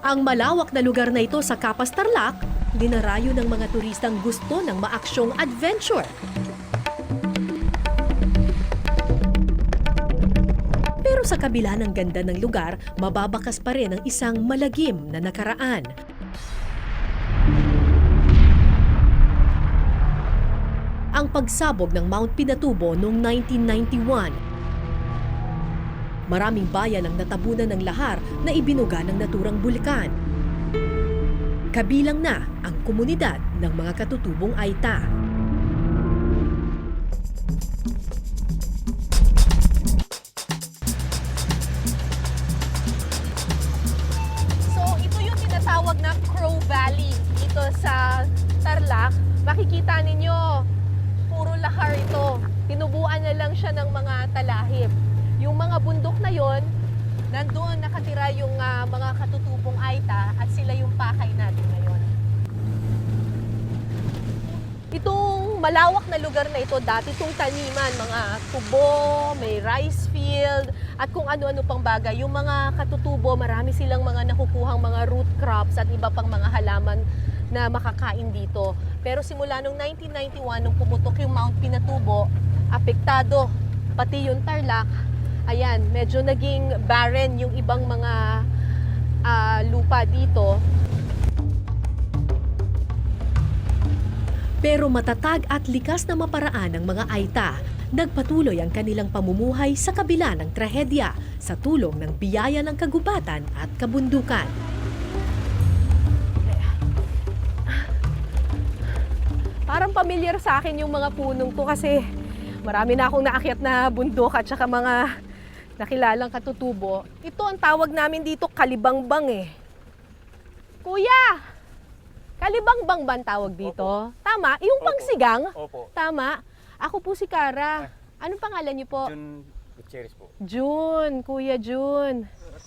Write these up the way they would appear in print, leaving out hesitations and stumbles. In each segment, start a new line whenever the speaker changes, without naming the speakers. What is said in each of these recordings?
Ang malawak na lugar na ito sa Capas, Tarlac, dinarayo ng mga turistang gusto ng maaksyong adventure. Pero sa kabila ng ganda ng lugar, mababakas pa rin ang isang malagim na nakaraan. Ang pagsabog ng Mount Pinatubo noong 1991. Maraming bayan ang natabunan ng lahar na ibinuga ng naturang bulkan. Kabilang na ang komunidad ng mga katutubong Aita.
So ito yung tinatawag na Crow Valley dito sa Tarlac. Makikita ninyo, puro lahar ito. Tinubuan na lang siya ng mga talahib. Yung mga bundok na yon, nandoon nakatira yung mga katutubong Aita at sila yung pakay natin ngayon. Itong malawak na lugar na ito, dati itong taniman, mga tubo, may rice field, at kung ano-ano pang bagay. Yung mga katutubo, marami silang mga nakukuhang mga root crops at iba pang mga halaman na makakain dito. Pero simula noong 1991, nung pumutok yung Mount Pinatubo, apektado pati yung Tarlac. Ayan, medyo naging barren yung ibang mga lupa dito.
Pero matatag at likas na maparaan ng mga Aita, nagpatuloy ang kanilang pamumuhay sa kabila ng trahedya sa tulong ng biyaya ng kagubatan at kabundukan.
Parang pamilyar sa akin yung mga punong to kasi marami na akong naakyat na bundok at saka mga nakilalang katutubo. Ito ang tawag namin dito, kalibangbang eh. Kuya! Kalibangbang ba ang tawag dito?
Opo.
Tama? Yung
Opo.
pangsigang?
Opo.
Tama? Ako po si Kara. Anong pangalan niyo po?
Jun Gutierrez po.
June, Kuya June.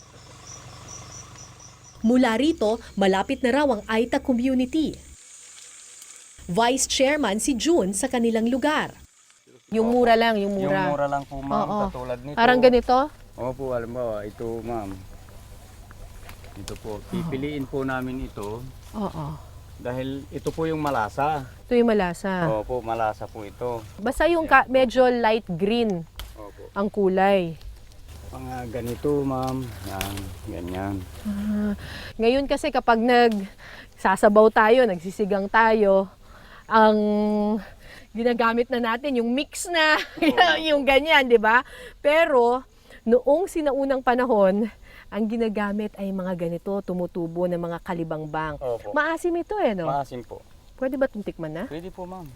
Mula rito, malapit na raw ang Aita community. Vice Chairman si June sa kanilang lugar.
Yung mura lang, yung
Yung
mura.
mura lang po, ma'am,
Oo.
katulad nito.
Parang ganito?
Opo, halimbawa, ito, ma'am. Ito po, pipiliin po namin ito
Oo.
dahil ito po yung malasa.
Ito yung malasa.
Opo, malasa po ito.
Basta yung medyo light green
Opo.
ang kulay.
Mga ganito, ma'am. Yan, ganyan.
Ngayon kasi kapag nagsasabaw tayo, nagsisigang tayo, ang ginagamit na natin yung mix na, yung ganyan, di ba? Pero noong sinaunang panahon, ang ginagamit ay mga ganito, tumutubo ng mga kalibangbang.
Opo.
Maasim ito eh, no?
Maasim po.
Pwede ba itong tikman na?
Pwede po, ma'am.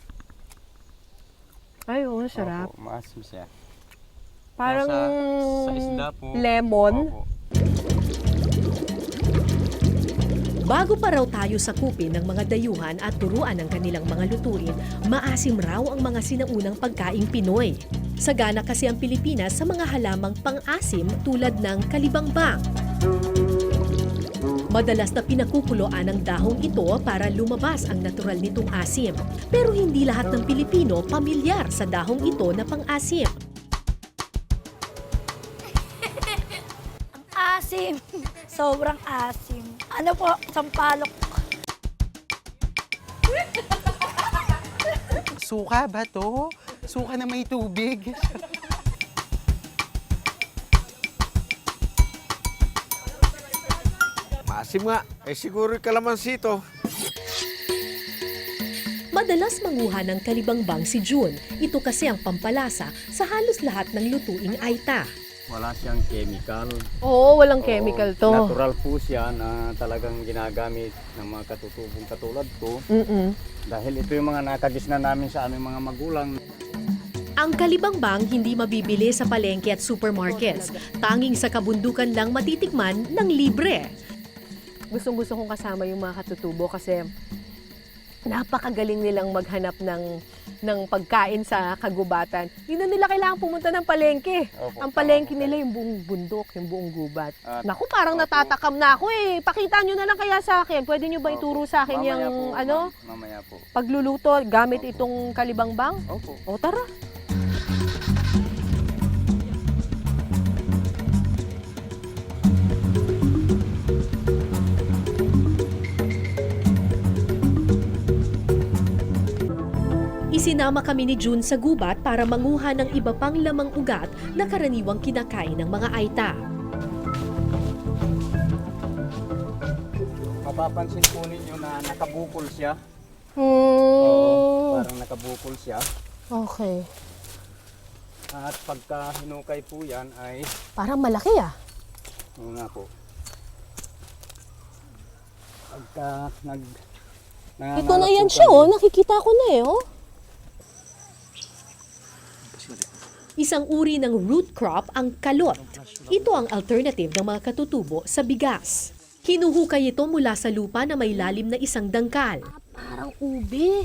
Ay, oo, sarap.
Opo, maasim siya.
Parang
Sa isda po.
lemon.
Opo.
Bago pa raw tayo sakupin ng mga dayuhan at turuan ng kanilang mga lutuin, maasim raw ang mga sinaunang pagkaing Pinoy. Sagana kasi ang Pilipinas sa mga halamang pang-asim tulad ng kalibangbang. Madalas na pinakukuloan ang dahong ito para lumabas ang natural nitong asim. Pero hindi lahat ng Pilipino pamilyar sa dahong ito na pang-asim.
Asim. Sobrang asim. Ano po, sampalok.
Suka ba to? Suka na may tubig.
Maasim nga. Eh siguro kalamansi ito.
Madalas manguha ng kalibangbang si June. Ito kasi ang pampalasa sa halos lahat ng lutuing Aita.
Wala siyang chemical.
Oo, walang
Oo,
chemical to.
Natural po siya na talagang ginagamit ng mga katutubong katulad ko. Dahil ito yung mga nakagisna namin sa aming mga magulang.
Ang kalibangbang hindi mabibili sa palengke at supermarkets. Tanging sa kabundukan lang matitikman ng libre.
Gustong-gusto kong kasama yung mga katutubo kasi napakagaling nilang maghanap ng pagkain sa kagubatan. Hindi na nila kailangan pumunta ng palengke.
Opo,
Ang palengke
tama po
nila
kayo.
yung buong bundok, yung buong gubat.
At-
Naku, parang
Opo.
natatakam na ako eh. Pakita nyo na lang kaya sa akin. Pwede nyo ba ituro sa akin
Mamaya
yung
po,
ano,
ma'am. Mamaya po.
pagluluto gamit
Opo.
itong kalibangbang?
Opo.
O tara.
Isinama kami ni June sa gubat para manguha ng iba pang lamang ugat na karaniwang kinakain ng mga Aita.
Mapapansin po ninyo na nakabukol siya.
Hmm.
Parang nakabukol siya.
Okay.
At pagka hinukay po yan ay,
Parang malaki ah.
oo nga po. Pagka
Ito na yan siya oh. Nakikita ko na eh oh.
Isang uri ng root crop ang kalot. Ito ang alternative ng mga katutubo sa bigas. Hinuhukay ito mula sa lupa na may lalim na isang dangkal.
Parang ube.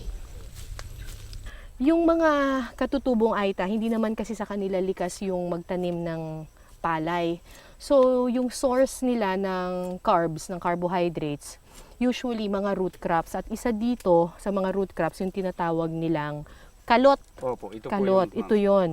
Yung mga katutubong Aita, hindi naman kasi sa kanila likas yung magtanim ng palay. So, yung source nila ng carbs, ng carbohydrates, usually mga root crops. At isa dito sa mga root crops, yung tinatawag nilang kalot.
Opo, ito
Kalot,
po yun,
ito
ma'am.
yon.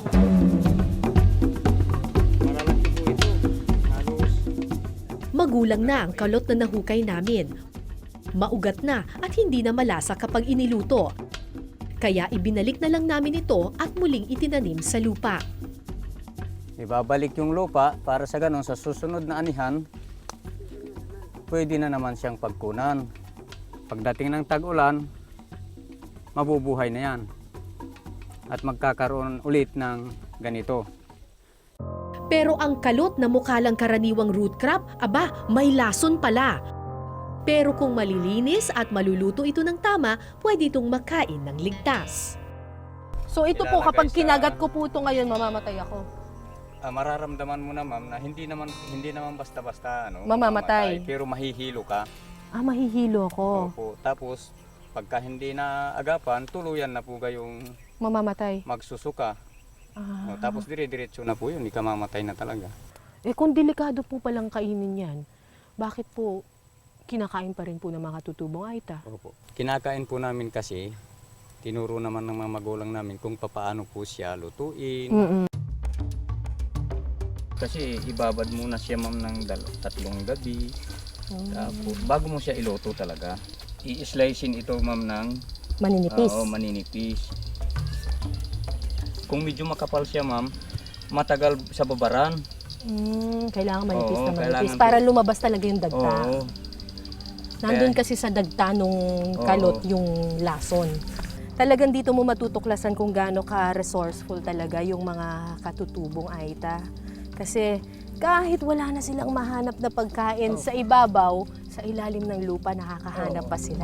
Malalaki po ito. Halos.
Magulang na ang kalot na nahukay namin. Maugat na at hindi na malasa kapag iniluto. Kaya ibinalik na lang namin ito at muling itinanim sa lupa.
Ibabalik yung lupa para sa ganun sa susunod na anihan, pwede na naman siyang pagkunan. Pagdating ng tag-ulan, mabubuhay na yan. At magkakaroon ulit ng ganito.
Pero ang kalot na mukha lang karaniwang root crop, aba, may lason pala. Pero kung malilinis at maluluto ito ng tama, pwede itong makain ng ligtas.
So ito po,
Ilalagay
kapag
sa-
kinagat ko po ito ngayon, mamamatay ako.
Mararamdaman mo na ma'am na hindi naman basta-basta
Mamamatay.
pero mahihilo ka.
Ah, mahihilo ako.
Opo. Tapos pagka hindi na agapan, tuluyan na po kayong
Mamamatay.
magsusuka.
Ah.
Tapos dire-diretso na po yun, hindi ka mamatay na talaga.
Eh kung delikado po palang kainin yan, bakit po kinakain pa rin po ng mga tutubong Aita?
Opo. Kinakain po namin kasi, tinuro naman ng mga magulang namin kung paano po siya lutuin.
Mm-mm.
Kasi ibabad muna siya ma'am ng 3 gabi. Tapos bago mo siya iluto talaga, i-slicein ito ma'am ng
Maninipis.
maninipis. Kung medyo makapal siya ma'am, matagal sa babaran.
Kailangan manipis
Oo,
na manipis
kailangan
para lumabas talaga yung dagta.
Oo.
Nandun
Kaya-
kasi sa dagta nung kalot yung lason. Talagang dito mo matutuklasan kung gaano ka resourceful talaga yung mga katutubong Aita. Kasi kahit wala na silang mahanap na pagkain sa ibabaw, sa ilalim ng lupa nakakahanap pa sila.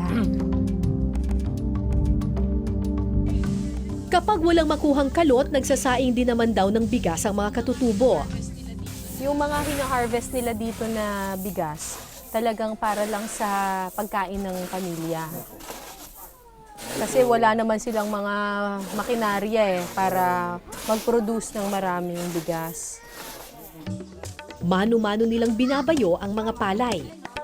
Kapag walang makuhang kalot, nagsasaing din naman daw ng bigas ang mga katutubo.
Yung mga hina-harvest nila dito na bigas, talagang para lang sa pagkain ng pamilya. Kasi wala naman silang mga makinarya para mag-produce ng maraming bigas.
Mano-mano nilang binabayo ang mga palay.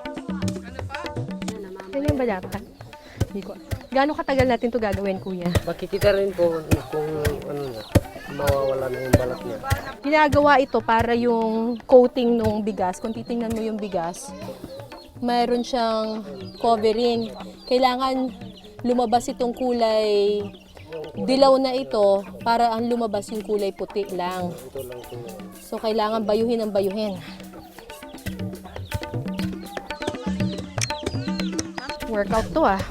Yan yung balata. Hindi ko. Gaano katagal natin to gagawin, kuya?
Makikita rin po kung ano na, mawawala na yung balat niya.
Ginagawa ito para yung coating ng bigas. Kung titingnan mo yung bigas, mayroon siyang covering. Kailangan lumabas itong kulay dilaw na ito para ang lumabas yung kulay puti lang. So kailangan bayuhin ang bayuhin. Workout to ah.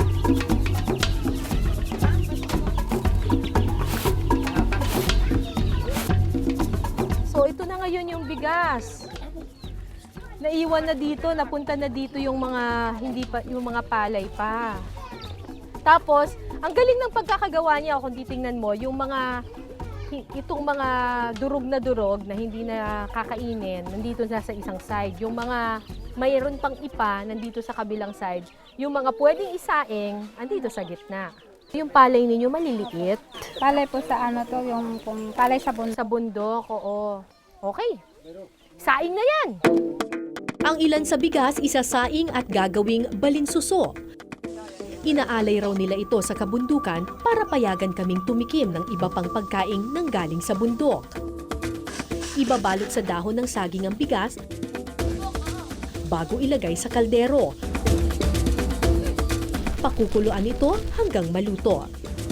So ito na ngayon yung bigas. Naiwan na dito, napunta na dito yung mga hindi pa yung mga palay pa. Tapos, ang galing ng pagkakagawa niya kung titingnan mo, yung mga itong mga durog na hindi na kakainin, nandito na sa isang side. Yung mga mayroon pang ipa nandito sa kabilang side. Yung mga pwedeng isaing, andito sa gitna. Yung palay ninyo maliliit.
Palay po sa ano to, yung kung palay sa bundok.
Sa bundok, oo. Okay. Saing na yan.
Ang ilan sa bigas isasaing at gagawing balinsuso. Inaalay raw nila ito sa kabundukan para payagan kaming tumikim ng iba pang pagkaing nanggaling sa bundok. Ibabalot sa dahon ng saging ang bigas bago ilagay sa kaldero. Pakukuluan ito hanggang maluto.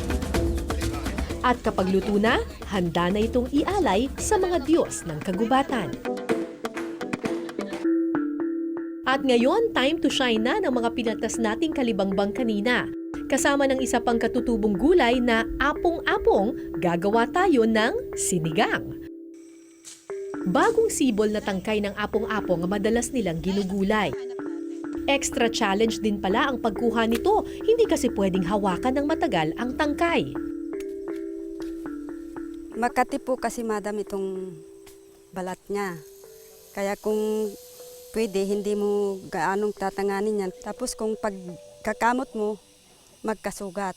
At kapag luto na, handa na itong ialay sa mga Diyos ng kagubatan. At ngayon, time to shine na ng mga pinatas nating kalibangbang kanina. Kasama ng isa pang katutubong gulay na apong-apong, gagawa tayo ng sinigang. Bagong sibol na tangkay ng apong-apong ang madalas nilang ginugulay. Extra challenge din pala ang pagkuha nito, hindi kasi pwedeng hawakan ng matagal ang tangkay.
Makati po kasi madam itong balat niya. Kaya kung pwede, hindi mo gaanong tatanganin yan. Tapos kung pagkakamot mo, magkasugat.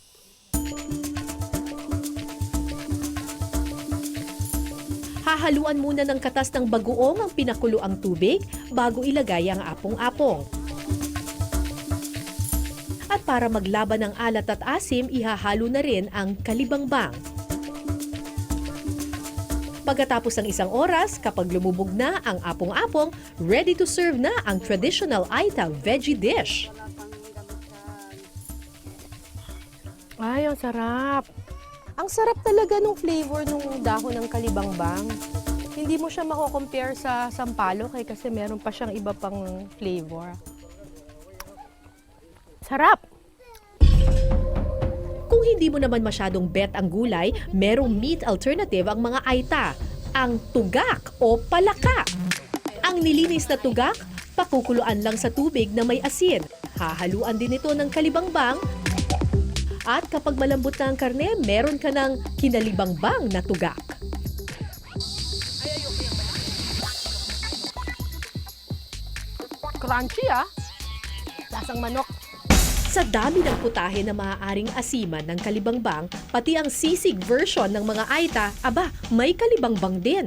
Hahaluan muna ng katas ng bagoong ang pinakuloang tubig bago ilagay ang apong-apong. At para maglaban ng alat at asim, ihahalo na rin ang kalibangbang. Pagkatapos ng 1 oras, kapag lumubog na ang apong-apong, ready to serve na ang traditional Aita veggie dish.
Ay, ang sarap. Ang sarap talaga ng flavor ng dahon ng kalibangbang. Hindi mo siya mako-compare sa sampalok kasi meron pa siyang iba pang flavor. Sarap!
Kung hindi mo naman masyadong bet ang gulay, merong meat alternative ang mga Aita, ang tugak o palaka. Ang nilinis na tugak, pakukuluan lang sa tubig na may asin. Hahaluan din ito ng kalibangbang. At kapag malambot na ang karne, meron ka ng kinalibangbang na tugak.
Crunchy lasang manok.
Sa dami ng putahe na maaaring asiman ng kalibangbang, pati ang sisig version ng mga Aita, aba, may kalibangbang din.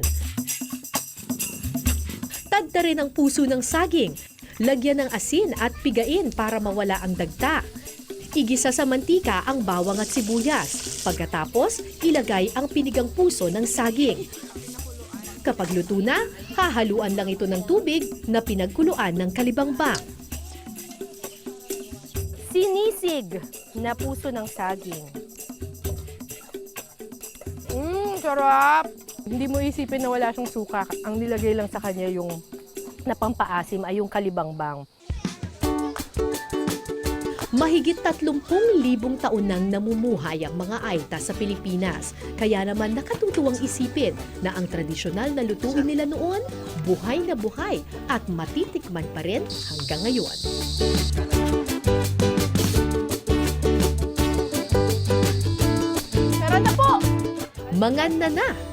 Tagta rin ang puso ng saging. Lagyan ng asin at pigain para mawala ang dagta. Igisa sa mantika ang bawang at sibuyas. Pagkatapos, ilagay ang pinigang puso ng saging. Kapag luto na, hahaluan lang ito ng tubig na pinagkuluan ng kalibangbang.
Sinisig na puso ng saging. Sarap! Hindi mo isipin na wala siyang suka. Ang nilagay lang sa kanya yung napampaasim ay yung kalibangbang.
Mahigit 30,000 taon nang namumuhay ang mga Aita sa Pilipinas. Kaya naman nakatutuwang isipin na ang tradisyonal na lutuin nila noon, buhay na buhay at matitikman pa rin hanggang ngayon.
Meron na po!
Manganda na